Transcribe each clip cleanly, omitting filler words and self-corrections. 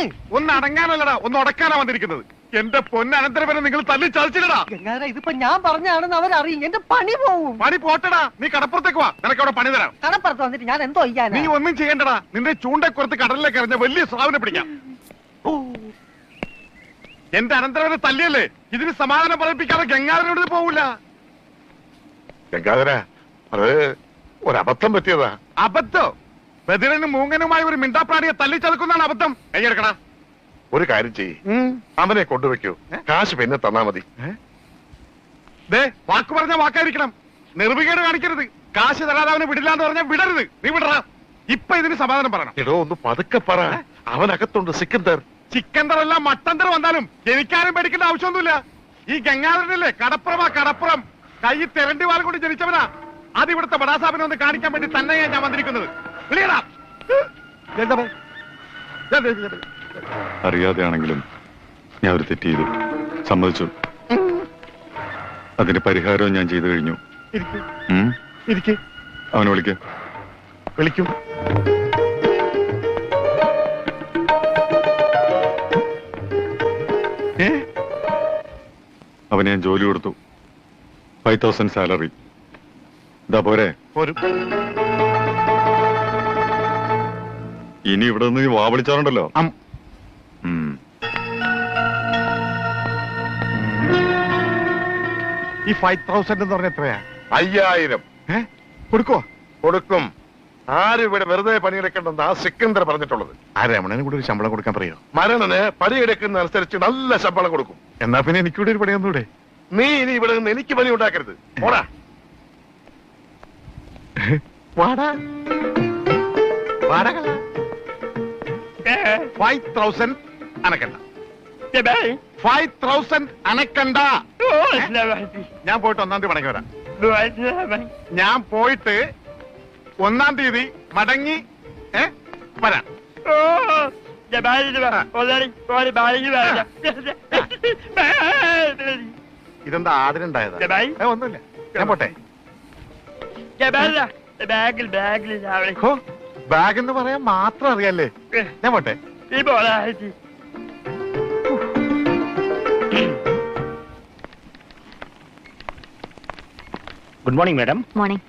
അടങ്ങ്. ഒന്ന് അടങ്ങാനല്ലടാ, ഒന്ന് ഉടക്കാനാ വന്നിരിക്കുന്നത്. എന്റെ പൊന്നനന്തരവനെ നിങ്ങൾ തല്ലി ചതിച്ചില്ലടാ. ഗംഗാധര ഇതിപ്പോ ഞാൻ പറഞ്ഞാണെന്ന് അവരറിയും. എന്റെ പണി പോവും. പണി പോട്ടടാ, നീ കടപ്പുറത്തേക്ക് വാ, നിനക്ക് അവിടെ പണി തരാം. കടപ്പുറത്ത് വന്നിട്ട് ഞാൻ എന്തോ ചെയ്യാനാ? നീ ഒന്നും ചെയ്യണ്ടടാ, നിന്റെ ചൂണ്ടക്കുറത്ത് കടലിലേക്ക് എറിഞ്ഞ വലിയ സ്രാവിനെ പിടിക്കാം. എന്റെ അനന്തരവനെ തല്ലിയല്ലേ, ഇതിന് സമാധാനം പറയിപ്പിക്കാതെ ഗംഗാധരനോട് പോവില്ല. ഗംഗാധര, അത് ഒരബദ്ധം പറ്റിയതാ. അബദ്ധം? ബദിരനും മൂങ്ങനുമായി ഒരു മിണ്ടാപ്രാണിയെ തല്ലിച്ചതക്കുന്നതാണ് അബദ്ധം. കൈയെടുക്കടാ. ഒരു കാര്യം ചെയ്യ്, അവനെ കൊണ്ടുവെക്കൂ, കാശ് പിന്നെ തന്നാ മതി. വാക്ക് പറഞ്ഞ വാക്കായിരിക്കണം, നിർവികേട് കാണിക്കരുത്. കാശ് തരാതെ അവനെ വിടില്ലാന്ന് പറഞ്ഞാൽ വിടരുത്. നീ വിടറാ. ഇപ്പൊ ഇതിന് സമാധാനം പറയണം. എടോ ഒന്ന് പതുക്കെ പറ, അവനകത്തുണ്ട് സിക്കന്ദർ. ചിക്കന്തറല്ല മട്ടന്തർ വന്നാലും എനിക്കാരും പേടിക്കേണ്ട ആവശ്യമൊന്നുമില്ല. ഈ ഗംഗാധരനല്ലേ കടപ്പുറം, കൈ തെരണ്ടി വാൽ കൊണ്ട് ജനിച്ചവനാ. അത് ഇവിടുത്തെ ബടാസാബിനെ ഒന്ന് കാണിക്കാൻ വേണ്ടി തന്നെയാ ഞാൻ വന്നിരിക്കുന്നത്. അറിയാതെയാണെങ്കിലും ഞാൻ ഒരു തെറ്റ് ചെയ്തു, സമ്മതിച്ചു. അതിന് പരിഹാരവും ഞാൻ ചെയ്തു കഴിഞ്ഞു. അവനെ വിളിക്കും. അവന് ഞാൻ ജോലി കൊടുത്തു, 5000 സാലറി. ഇതാ പോരെ? ഇനി ഇവിടെ നിന്ന് വാ വിളിച്ചാറുണ്ടല്ലോ. ഈ 5000 എന്ന് പറഞ്ഞ എത്രയാ? 5000 കൊടുക്കും. ആരും ഇവിടെ വെറുതെ പണിയെടുക്കണ്ടെന്ന് ആ സിക്കന്ദർ പറഞ്ഞിട്ടുള്ളത്. ആ രമണന് കൂടെ ഒരു ശമ്പളം കൊടുക്കാൻ പറയോ? മരണന് പണിയെടുക്കുന്ന അനുസരിച്ച് നല്ല ശമ്പളം കൊടുക്കും. എന്നാ പിന്നെ എനിക്കൂടെ ഒരു പണിയൊന്നൂടെ? നീ ഇനി ഇവിടെ നിന്ന് എനിക്ക് പണി ഉണ്ടാക്കരുത്. ഓടാ. 5000 അനക്കണ്ട. 5000 അനക്കണ്ട. ഞാൻ പോയിട്ട് 1-ാം തീയതി മടങ്ങി വരാം. ഞാൻ പോയിട്ട് 1-ാം തീയതി മടങ്ങി വരാം. ഇതെന്താ ആടിനുണ്ടായതാ? ഒന്നുമില്ല, ഞാൻ പോട്ടെ. ബാഗ് എന്ന് പറയാൻ മാത്രം അറിയാല്ലേ? ഞാൻ പോട്ടെ. Good morning madam. Morning.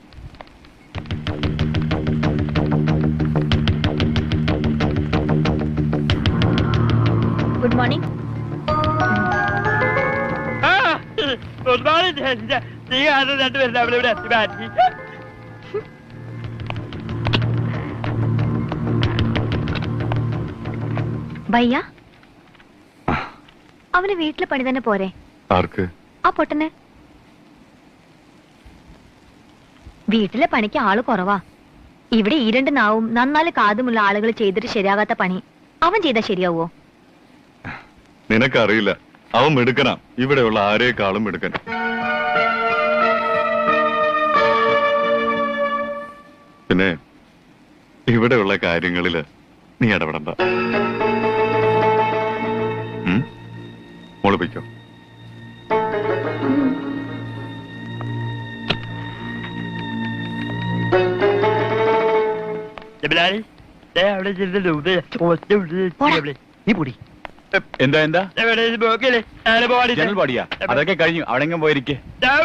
Good morning. Good morning. രണ്ടുപേരും അവിടെ ഇവിടെ എത്തി മാറ്റി. ഭയ്യ, അവന് വീട്ടിലെ പണി തന്നെ പോരെ? ആർക്ക്? ആ പൊട്ടന്. വീട്ടിലെ പണിക്ക് ആള് കുറവാ. ഇവിടെ ഈ 2 നാവും നന്നാല് കാതുമുള്ള ആളുകൾ ചെയ്തിട്ട് ശരിയാകാത്ത പണി അവൻ ചെയ്താ ശരിയാവോ? നിനക്കറിയില്ല, അവൻ മിടുക്കനാ. ഇവിടെയുള്ള ആരേക്കാളും മിടുക്കൻ. പിന്നെ ഇവിടെയുള്ള കാര്യങ്ങളില് നീ ഇടപെടണ്ട. മോളിപ്പിക്കോ. എന്താ ജനൽ പാടിയാ? അതൊക്കെ കഴിഞ്ഞു. അവിടെങ്ങും പോയിരിക്കേ.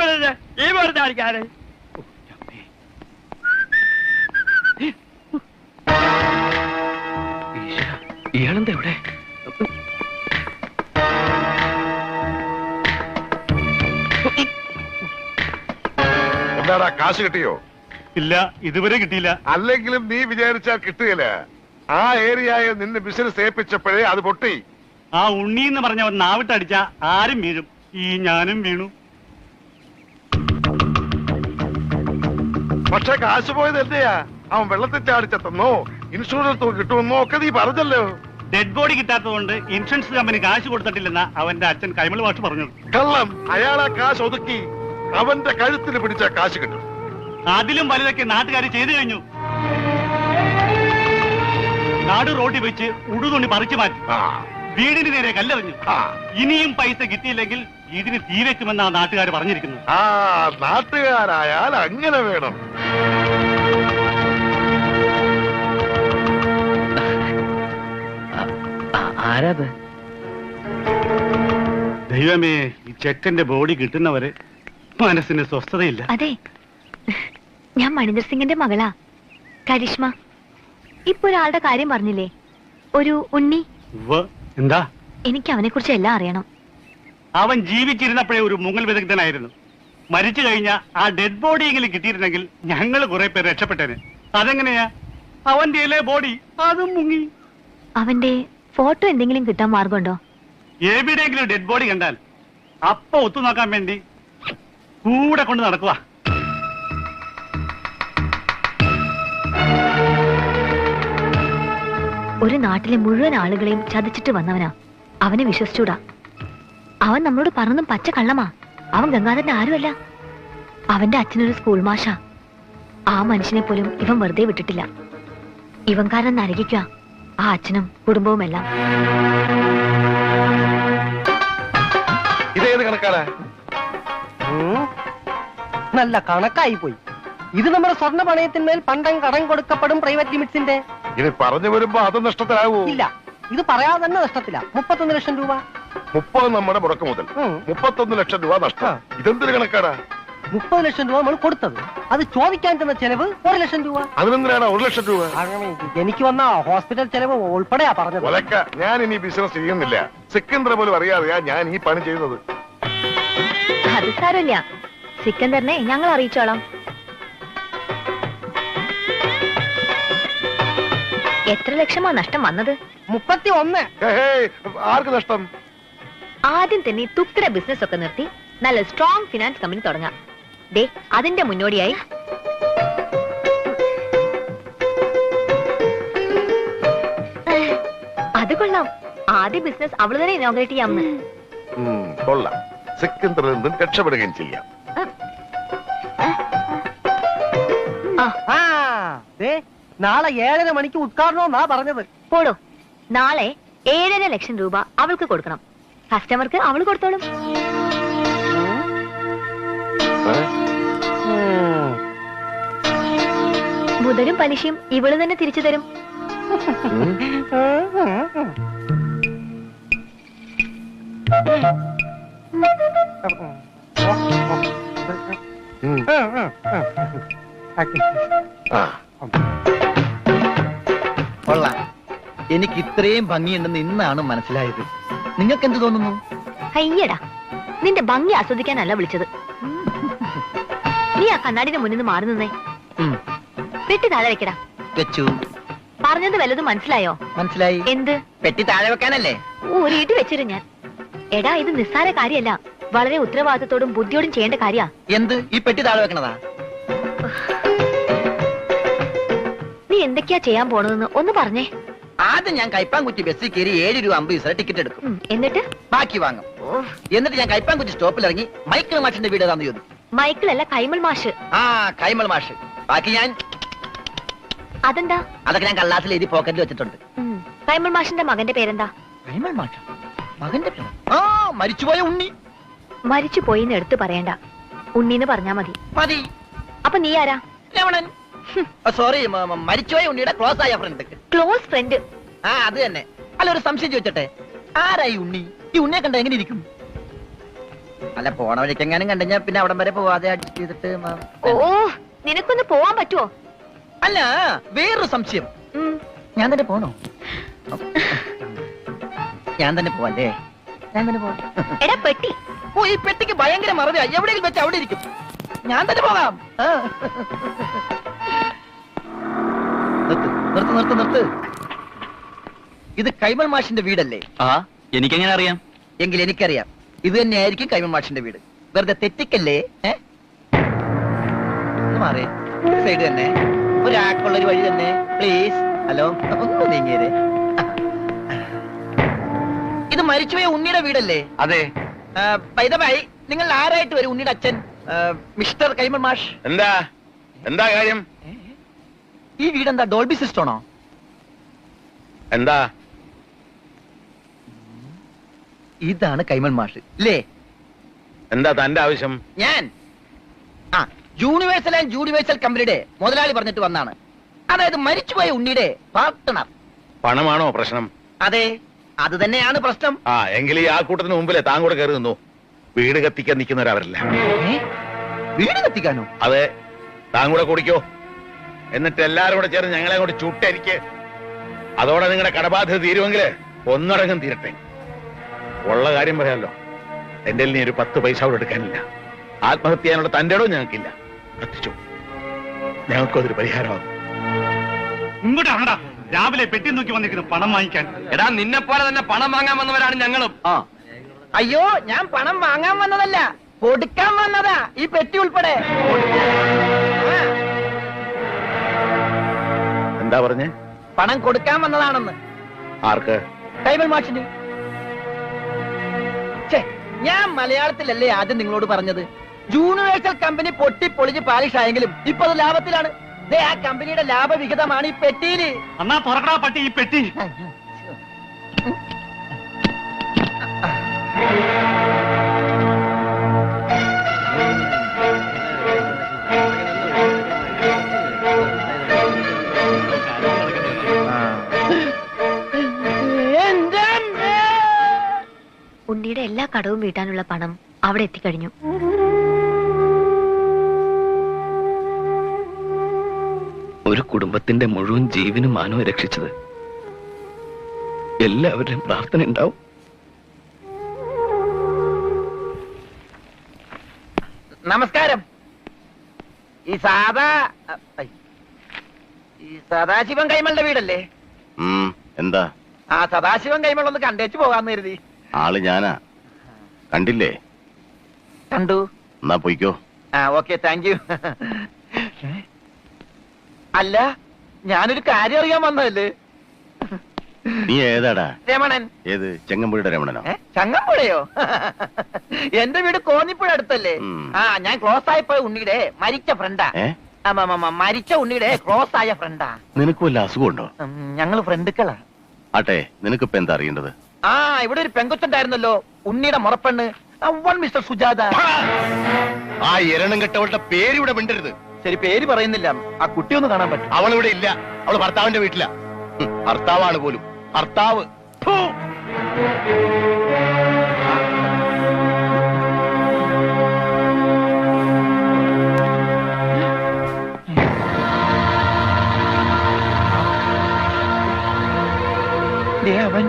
ഇയാളെന്താ ഇവിടെ? എന്താടാ, കാശ് കിട്ടിയോ? ഇല്ല, ഇതുവരെ കിട്ടിയില്ല. അല്ലെങ്കിലും നീ വിചാരിച്ചാൽ കിട്ടുകയില്ല. ആ ഏരിയയിൽ നിന്ന് ബിസിനസ് ഏൽപ്പിച്ചപ്പോഴേ അത് പൊട്ടി. ആ ഉണ്ണി എന്ന് പറഞ്ഞവൻ നാവിട്ടടിച്ച ആരും വീഴും. ഈ ഞാനും വീണു. പക്ഷെ കാശ് പോയത് എന്റെയാ. അവൻ വെള്ളത്തിൽ ചാടിച്ചെന്നോ ഇൻഷുറൻസ് കിട്ടുമെന്നോ ഒക്കെ നീ പറഞ്ഞല്ലോ. ഡെഡ് ബോഡി കിട്ടാത്തതുകൊണ്ട് ഇൻഷുറൻസ് കമ്പനി കാശ് കൊടുത്തിട്ടില്ലെന്ന അവന്റെ അച്ഛൻ കൈമൾ മാഷ് പറഞ്ഞത്. കള്ളം. അയാളാ കാശ് ഒതുക്കി അവന്റെ കഴുത്തിന് പിടിച്ച കാശ് കിട്ടും. അതിലും വലുതൊക്കെ നാട്ടുകാർ ചെയ്തു കഴിഞ്ഞു. നാട് റോഡിൽ വെച്ച് ഉടുതുണി പറിച്ചു മാറ്റി, വീടിന് നേരെ കല്ലെറിഞ്ഞു. ഇനിയും പൈസ കിട്ടിയില്ലെങ്കിൽ ഇതിന് തീ വെക്കുമെന്നാണ് നാട്ടുകാർ പറഞ്ഞിരിക്കുന്നത്. ആ നാട്ടുകാരായാൽ അങ്ങനെ വേണം. ആരാത്? ദൈവമേ, ഈ ചെക്കന്റെ ബോഡി കിട്ടുന്നവരെ മനസ്സിന് സ്വസ്ഥതയില്ല. അതെ, ഞാൻ മണിന്ദർ സിംഗിന്റെ മകളാ, കരിഷ്മ. ഇപ്പൊ ഒരാളുടെ കാര്യം പറഞ്ഞില്ലേ, ഒരു ഉണ്ണി. എന്താ? എനിക്ക് അവനെ കുറിച്ച് എല്ലാം അറിയണം. അവൻ ജീവിച്ചിരുന്നപ്പോഴേ ഒരു മുങ്ങൽ വിദഗ്ധനായിരുന്നു. മരിച്ചു കഴിഞ്ഞാൽ ആ ഡെഡ് ബോഡി എങ്കിലും കിട്ടിയിരുന്നെങ്കിൽ ഞങ്ങൾ കുറെ പേര് രക്ഷപ്പെട്ടേനെ. അതെങ്ങനെയാ? അവന്റെ ബോഡി അതും മുങ്ങി. അവന്റെ ഫോട്ടോ എന്തെങ്കിലും കിട്ടാൻ മാർഗമുണ്ടോ? എവിടെയെങ്കിലും ഡെഡ് ബോഡി കണ്ടാൽ അപ്പൊ ഒത്തു നോക്കാൻ വേണ്ടി കൂടെ കൊണ്ട് നടക്കുക. ഒരു നാട്ടിലെ മുഴുവൻ ആളുകളെയും ചതിച്ചിട്ട് വന്നവനാ. അവനെ വിശ്വസിച്ചൂടാ. അവൻ നമ്മളോട് പറഞ്ഞതും പച്ച കള്ളമാ. അവൻ ഗംഗാധരന്റെ ആരുമല്ല. അവന്റെ അച്ഛനൊരു സ്കൂൾ മാഷാ. ആ മനുഷ്യനെ പോലും ഇവൻ വെറുതെ വിട്ടിട്ടില്ല. ഇവൻ കാരണം നരകിക്കുക ആ അച്ഛനും കുടുംബവും എല്ലാം. ഇതേത് കണക്കാടാ? നല്ല കണക്കായി പോയി. ഇത് നമ്മുടെ സ്വർണ്ണ പണയത്തിന്മേൽ പണ്ടം കടം കൊടുക്കപ്പെടും പ്രൈവറ്റ് ലിമിറ്റ്സിന്റെ. ഇനി പറഞ്ഞു വരുമ്പോ അത് നഷ്ടത്തിലാവൂ. ഇല്ല, ഇത് പറയാതെ തന്നെ നഷ്ടത്തില്ല. 31 ലക്ഷം രൂപ. 30 നമ്മുടെ മുടക്ക് മുതൽ 31 ലക്ഷം രൂപ നഷ്ടം. ഇതെന്തൊരു കണക്കാടാ? 30 ലക്ഷം രൂപ നമ്മൾ കൊടുത്തത്, അത് ചോദിക്കാൻ തന്ന ചെലവ് 1 ലക്ഷം രൂപ. അതിനെന്തിനാണ് 1 ലക്ഷം രൂപ? എനിക്ക് വന്ന ഹോസ്പിറ്റൽ ചെലവ് ഉൾപ്പെടെയാ പറഞ്ഞത്. ഒലക്ക, ഞാൻ ഇനി ബിസിനസ് ചെയ്യുന്നില്ല. സിക്കന്ദർ പോലും അറിയാതെയാ ഞാൻ ഈ പണി ചെയ്യുന്നത്. അത് സാരമില്ല, സിക്കന്ദറിനെ ഞങ്ങൾ അറിയിച്ചോളാം. എത്ര ലക്ഷമാ നഷ്ടം വന്നത്? 31. ആർക്ക് നഷ്ടം? ആദ്യം തന്നെ തുക്കിട ബിസിനസ് ഒക്കെ നിർത്തി നല്ല സ്ട്രോങ് ഫിനാൻസ് കമ്പനി തുടങ്ങാം. ദേ, അതിന്റെ മുന്നോടിയായി അത് കൊള്ളാം. ആദ്യ ബിസിനസ് അവള് തന്നെ ഇനോഗ്രേറ്റ് ചെയ്യാമെന്ന്. കൊള്ളാം. സിക്കന്ദറിൽ നിന്നും രക്ഷപ്പെടുകയും ചെയ്യാം. നാളെ 7:30 മണിക്ക് ഉദ്ഘാടനമെന്നാ പറഞ്ഞത്. പോടോ, നാളെ 7.5 ലക്ഷം രൂപ അവൾക്ക് കൊടുക്കണം. കസ്റ്റമർക്ക് അവള് കൊടുത്തോളും. മുതലും പലിശയും ഇവള് തന്നെ തിരിച്ചു തരും. കൊള്ളാം. എനിക്ക് ഇത്രയും ഭംഗിയുണ്ടെന്ന് ഇന്നാണ് മനസ്സിലായത്. നിങ്ങൾക്ക് എന്ത് തോന്നുന്നു? അയ്യടാ, നിന്റെ ഭംഗി ആസ്വദിക്കാനല്ല വിളിച്ചത്. നീ ആ കണ്ണാടിന്റെ മുന്നിൽ നിന്ന് മാറി നിന്നേ. പെട്ടി താഴെ വെക്കടാ. വെച്ചു. പറഞ്ഞത് വല്ലതും മനസ്സിലായോ? മനസ്സിലായി. എന്ത്? പെട്ടി താഴെ വെക്കാനല്ലേ? ഊരിയിട്ട് വെച്ചിരു ഞാൻ. എടാ, ഇത് നിസ്സാര കാര്യമല്ല, വളരെ ഉത്തരവാദിത്തത്തോടും ബുദ്ധിയോടും ചെയ്യേണ്ട കാര്യാ. എന്ത്? ഈ പെട്ടി താഴെ വെക്കണതാ? നീ എന്തൊക്കെയാ ചെയ്യാൻ പോണതെന്ന് ഒന്ന് പറഞ്ഞേ. ആദ്യം ഞാൻ കൈപ്പാങ്കുറ്റി ബസ്സിൽ കയറി 7 രൂപ 50 പൈസ ടിക്കറ്റ് എടുക്കും. എന്നിട്ട് ബാക്കി വാങ്ങും. എന്നിട്ട് ഞാൻ കൈപ്പാങ്കുറ്റി സ്റ്റോപ്പിൽ ഇറങ്ങി മൈക്കിൾ മാഷിന്റെ വീട് ഏതാന്ന് ചോദിക്കും. മൈക്കിളല്ല, കൈമൾ മാഷ്. ആ, കൈമൾ മാഷ്. ബാക്കി ഞാൻ അതെന്താ? അതൊക്കെ ഞാൻ കള്ളാസിൽ എഴുതി പോക്കറ്റിൽ വെച്ചിട്ടുണ്ട്. കൈമൾ മാഷിന്റെ മകന്റെ പേരെന്താ? കൈമൾ മാഷ? മകന്റെ പേര്? ആ, മരിച്ചുപോയ ഉണ്ണി. മരിച്ചു പോയിന്ന് എടുത്തു പറയണ്ട, ഉണ്ണീന്ന് പറഞ്ഞാ മതി. മതി. അപ്പൊ നീ ആരാ? രമണൻ. സോറി, മരിച്ചുപോയ ഉണ്ണിയുടെ ക്ലോസ് ആയ ഫ്രണ്ട്. Close friend? ആ, അത് തന്നെ. അല്ല, ഒരു സംശയം ചോദിച്ചട്ടെ, ആരായി ഉണ്ണി? ഈ ഉണ്ണിയെ കണ്ട എങ്ങനെ ഇരിക്കും? അല്ല, പോണ വഴിക്കെങ്ങാനും കണ്ടുകഴിഞ്ഞാ പിന്നെ അവിടം വരെ പോവാതെ അഡ്ജസ്റ്റ് ചെയ്തിട്ട്. ഓ, നിനക്കൊന്ന് പോവാൻ പറ്റുമോ? അല്ല, വേറൊരു സംശയം. ഞാൻ തന്നെ പോണോ? ഞാൻ തന്നെ പോവല്ലേ? ഞാൻ തന്നെ പോവാം. എടാ പെട്ടി. ഓ, ഈ പെട്ടിക്ക് ഭയങ്കര മറവിയാ. എവിടെയെങ്കിലും വെച്ച് അവിടെ ഇരിക്കും. ഞാൻ തന്നെ പോകാം. നിർത്ത് നിർത്ത് നിർത്ത്. ഇത് കൈമൾ മാഷിന്റെ വീടല്ലേ? ആ, എനിക്കെങ്ങനെ അറിയാം? എങ്കിൽ എനിക്കറിയാം. ഇത് തന്നെയായിരിക്കും കൈമൾ മാഷിന്റെ വീട്. വെറുതെ തെറ്റിക്കല്ലേ? മാറിയേ, സൈഡ് തന്നെ, ഒരാൾക്കുള്ളൊരു വഴി തന്നെ, പ്ലീസ്. ഹലോ, ഒന്ന് നീങ്ങിയേ. ഇത് മരിച്ചുപോയ ഉണ്ണിയുടെ വീടല്ലേ? അതെ. പൈതമായി, നിങ്ങൾ ആരായിട്ട് വരും? ഉണ്ണിയുടെ അച്ഛൻ മിസ്റ്റർ കൈമൾ മാഷ്. എന്താ എന്താ കാര്യം? ഈ വീടെന്താ ഡോൾബി സിസ്റ്റമാണോ? എന്താ? ഇതാണ് കൈമൾ മാഷ് അല്ലേ? എന്താ തന്റെ ആവശ്യം? ഞാൻ യൂണിവേഴ്സൽ ആൻഡ് യൂണിവേഴ്സൽ കമ്പനിയുടെ മുതലാളി പറഞ്ഞിട്ട് വന്നാണ്. അതായത് മരിച്ചുപോയ ഉണ്ണിയുടെ പാർട്ട്ണർ. പണമാണോ പ്രശ്നം? അതെ, അത് തന്നെയാണ് പ്രശ്നം. ആ എങ്കിൽ ഈ ആൾക്കൂട്ടത്തിന് മുമ്പിലെ താൻ കൂടെ കയറി നിന്നു. വീട് കത്തിക്കാൻ നിൽക്കുന്നവരവരല്ല. വീട് കത്തിക്കാനോ? അതെ, താൻ കൂടെ കുടിക്കോ. എന്നിട്ട് എല്ലാരും കൂടെ ചേർന്ന് ഞങ്ങളെ കൂടെ ചുട്ടെനിക്ക്. അതോടെ നിങ്ങളുടെ കടബാധ്യത തീരുമെങ്കിൽ ഒന്നടങ്കം തീരട്ടെ. ഉള്ള കാര്യം പറയാമല്ലോ, എന്റെ നീ ഒരു 10 പൈസ കൂടെ എടുക്കാനില്ല. ആത്മഹത്യ ചെയ്യാനുള്ള തന്റെ ഇടവും ഞങ്ങൾക്കില്ല. കത്തിച്ചു, ഞങ്ങൾക്കതൊരു പരിഹാരമാകും. ഇങ്ങോട്ട് ആണ്ടാ, രാവിലെ പെട്ടി നോക്കി വന്നിരിക്കുന്നു പണം വാങ്ങിക്കാൻ. എടാ നിന്നെ പോലെ തന്നെ പണം വാങ്ങാൻ വന്നവരാണ് ഞങ്ങളും. അയ്യോ, ഞാൻ പണം വാങ്ങാൻ വന്നതല്ല, കൊടുക്കാൻ വന്നതാ. ഈ പെട്ടി ഉൾപ്പെടെ. എന്താ പറഞ്ഞേ? പണം കൊടുക്കാൻ വന്നതാണെന്ന്. ആർക്ക്? കൈമൾ മാഷിന്. ഞാൻ മലയാളത്തിലല്ലേ ആദ്യം നിങ്ങളോട് പറഞ്ഞത്? യൂണിവേഴ്സൽ കമ്പനി പൊട്ടി പൊളിച്ച് പാലിഷ് ആയെങ്കിലും ഇപ്പൊ അത് ലാഭത്തിലാണ്. ആ കമ്പനിയുടെ ലാഭവിഹിതമാണ് ഈ പെട്ടിയില്. എന്നാ തുറക്കടാ പട്ടി ഈ പെട്ടി. ഉണ്ണിയുടെ എല്ലാ കടവും വീട്ടാനുള്ള പണം അവിടെ എത്തിക്കഴിഞ്ഞു. ഒരു കുടുംബത്തിന്റെ മുഴുവൻ ജീവനും മാനവും രക്ഷിച്ചത് എല്ലാവരുടെയും പ്രാർത്ഥന ഉണ്ടാവും. നമസ്കാരം. ഈ സദാശിവൻ കൈമളുടെ വീടല്ലേ? എന്താ? ആ സദാശിവൻ കൈമൾ ഒന്ന് കണ്ടേച്ചു പോകാന്ന് കരുതി. ആള് ഞാനാ, കണ്ടില്ലേ? കണ്ടു. എന്നാ പോയിക്കോ. ആ ഓക്കെ, താങ്ക് യു. അല്ല, ഞാനൊരു കാര്യം അറിയാൻ വന്നതല്ലേ. നീ ഏതാടാ? രമണൻ. ഏത്? ചെങ്ങമ്പുഴയുടെ രമണനോ? ചങ്ങമ്പുഴയോ? എന്റെ വീട് കോന്നിപ്പുഴ അടുത്തല്ലേ? ആ, ഞാൻ ക്ലോസ് ആയപ്പോ ഉണ്ണിയുടെ മരിച്ച ഫ്രണ്ടാ. മരിച്ച ഉണ്ണിയുടെ ക്ലോസ് ആയ ഫ്രണ്ടാ. നിനക്ക് വല്ല അസുഖമുണ്ടോ? ഞങ്ങള് ഫ്രണ്ടുക്കളാ. ആട്ടെ, നിനക്കിപ്പോ എന്താ അറിയേണ്ടത്? ആ, ഇവിടെ ഒരു പെങ്കൊച്ചുണ്ടായിരുന്നല്ലോ, ഉണ്ണിയുടെ മുറപ്പെണ്ണ്, മിസ്റ്റർ സുജാത. ആ എരണം കെട്ടവളുടെ പേര് ഇവിടെ മിണ്ടരുത്. ശരി, പേര് പറയുന്നില്ല. ആ കുട്ടി ഒന്ന് കാണാൻ പറ്റും? അവളിവിടെ ഇല്ല, അവള് ഭർത്താവിന്റെ വീട്ടിലാ. ഭർത്താവാണ് പോലും, ഭർത്താവ്. അവൻ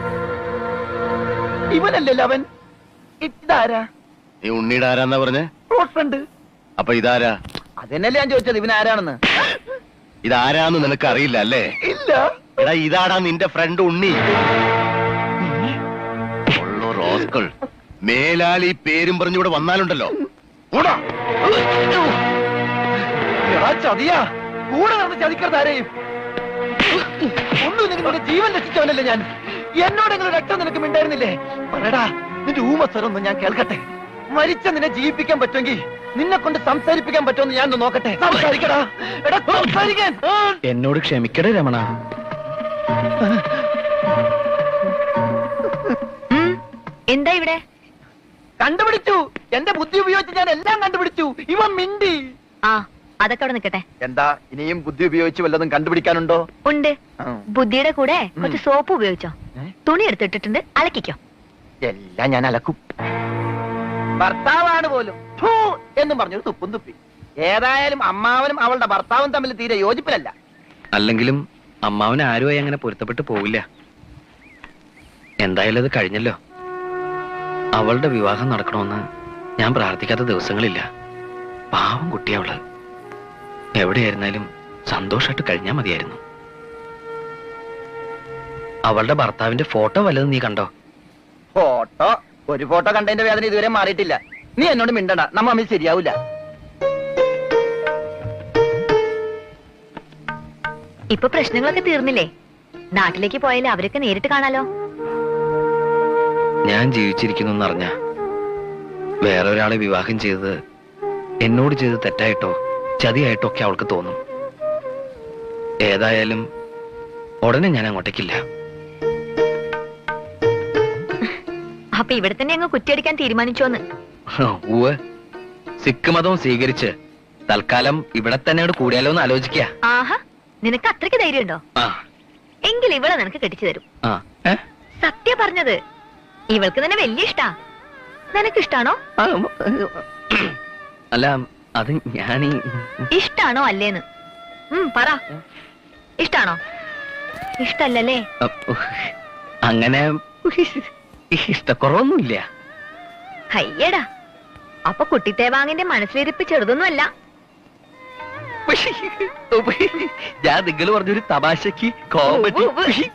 ഇവനല്ലല്ലോ അവൻ. ഇതാരാ? നീ ഉണ്ണിയുടെ ആരാന്നാ പറഞ്ഞേ? Close friend. അപ്പൊ ഇതാരാ? അതെന്നല്ലേ ഞാൻ ചോദിച്ചത്, ഇവനാരാണെന്ന്. ഇതാരാന്ന് നിനക്ക് അറിയില്ല അല്ലേ? ഇല്ല. എടാ, ഇതാടാ നിന്റെ ഫ്രണ്ട് ഉണ്ണി. റോസ്കൾ മേലാൽ ഈ പേരും പറഞ്ഞിവിടെ വന്നാലുണ്ടല്ലോ. ചതിയാ, കൂടെ നടന്ന് ചതിക്കരുതാരെയും. ഒന്നും നിങ്ങളുടെ ജീവൻ രക്ഷിച്ചവനല്ലേ ഞാൻ. എന്നോടെങ്കിലും രക്തം നിനക്ക് മിണ്ടായിരുന്നില്ലേ? പറയടാ, നിന്റെ ഊമസ്വരൊന്നും ഞാൻ കേൾക്കട്ടെ. മരിച്ച നിന്നെ ജീവിപ്പിക്കാൻ പറ്റുമെങ്കിൽ നിന്നെ കൊണ്ട് സംസാരിപ്പിക്കാൻ പറ്റുമെന്ന് ഞാൻ നോക്കട്ടെ. സംസാരിക്കടാ, എടാ സംസാരിക്കാൻ. എന്നോട് ക്ഷമിക്കടേ രമണ. എന്താ ഇവിടെ? കണ്ടുപിടിച്ചു. എന്റെ ബുദ്ധി ഉപയോഗിച്ച് ഞാൻ എല്ലാം കണ്ടുപിടിച്ചു. ഇവൻ മിണ്ടി. ആ, അതൊക്കെ അവിടെ നിൽക്കട്ടെ. എന്താ, ഇനിയും ബുദ്ധി ഉപയോഗിച്ച് വല്ലതും കണ്ടുപിടിക്കാനുണ്ടോ? ഉണ്ട്. ബുദ്ധിയുടെ കൂടെ കുറച്ച് സോപ്പ് ഉപയോഗിച്ചോ. തുണി എടുത്തിട്ടിട്ടുണ്ട്, അലക്കിക്കോ. എല്ലാം ഞാൻ അലക്കും. ഭർത്താവാണ് പോലും ഫൂ എന്നും പറഞ്ഞൊരു തുപ്പും തുപ്പി. ഏതായാലും അമ്മാവനും അവളുടെ ഭർത്താവും തമ്മിൽ തീരെ യോജിപ്പിലല്ല. അല്ലെങ്കിലും അമ്മാവന് ആരുമായി അങ്ങനെ പൊരുത്തപ്പെട്ട് പോവില്ല. എന്തായാലും അത് കഴിഞ്ഞല്ലോ. അവളുടെ വിവാഹം നടക്കണമെന്ന് ഞാൻ പ്രാർത്ഥിക്കാത്ത ദിവസങ്ങളില്ല. പാവം കുട്ടിയവള്. എവിടെയായിരുന്നാലും സന്തോഷമായിട്ട് കഴിഞ്ഞാൽ മതിയായിരുന്നു. അവളുടെ ഭർത്താവിന്റെ ഫോട്ടോ വല്ലതും നീ കണ്ടോ? ഫോട്ടോ? ഒരു ഫോട്ടോ കണ്ടതിന്റെ വേദന ഇതുവരെ മാറിയിട്ടില്ല. നീ എന്നോട് മിണ്ടണ്ട, നമ്മ തമ്മിൽ ശരിയാവൂല. ഇപ്പൊ പ്രശ്നങ്ങളൊക്കെ തീർന്നില്ലേ? നാട്ടിലേക്ക് പോയാലേ അവരൊക്കെ നേരിട്ട് കാണാലോ. ഞാൻ ജീവിച്ചിരിക്കുന്നു എന്നറിഞ്ഞ വേറെ ഒരാളെ വിവാഹം ചെയ്തത് എന്നോട് ചെയ്ത് തെറ്റായിട്ടോ ചതിയായിട്ടോ ഒക്കെ അവൾക്ക് തോന്നും. ഏതായാലും ഉടനെ ഞാൻ അങ്ങോട്ടേക്കില്ല. അപ്പൊ ഇവിടെ തന്നെ അങ്ങ് കുറ്റിയടിക്കാൻ തീരുമാനിച്ചോന്ന്? ഊവ്, സിഖ് മതവും സ്വീകരിച്ച് തൽക്കാലം ഇവിടെ തന്നെ കൂടിയാലോ എന്ന് ആലോചിക്കുക. ആഹാ, നിനക്ക് അത്രയ്ക്ക് ധൈര്യമുണ്ടോ? എങ്കിൽ ഇവിടെ നിനക്ക് കെട്ടിച്ചു തരും. സത്യ പറഞ്ഞത്. ഇവൾക്ക് തന്നെ വലിയ ഇഷ്ടാ. നിനക്കിഷ്ടാണോ? അല്ല അത് ഞാനീ ഇഷ്ടാണോ അല്ലേന്ന് പറ. ഇഷ്ടാണോ? ഇഷ്ടല്ലേ? അങ്ങനെ ഇഷ്ടക്കുറവൊന്നുമില്ല. അയ്യടാ, അപ്പൊ കുട്ടിത്തേവാങ്ങിന്റെ മനസ്സിലിരിപ്പ് ചെറുതൊന്നുമല്ല. ഞാൻ നിങ്ങൾ പറഞ്ഞൊരു തമാശക്ക് കോമഡി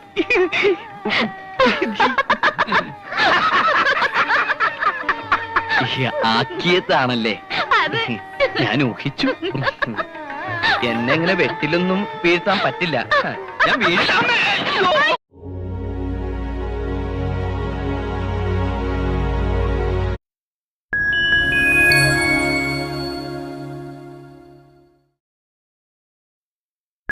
ആക്കിയതാണല്ലേ. ഞാൻ ഊഹിച്ചു. എന്നെ ഇങ്ങനെ വെട്ടിലൊന്നും വീഴ്ത്താൻ പറ്റില്ല. ഞാൻ വീഴ്ത്താൻ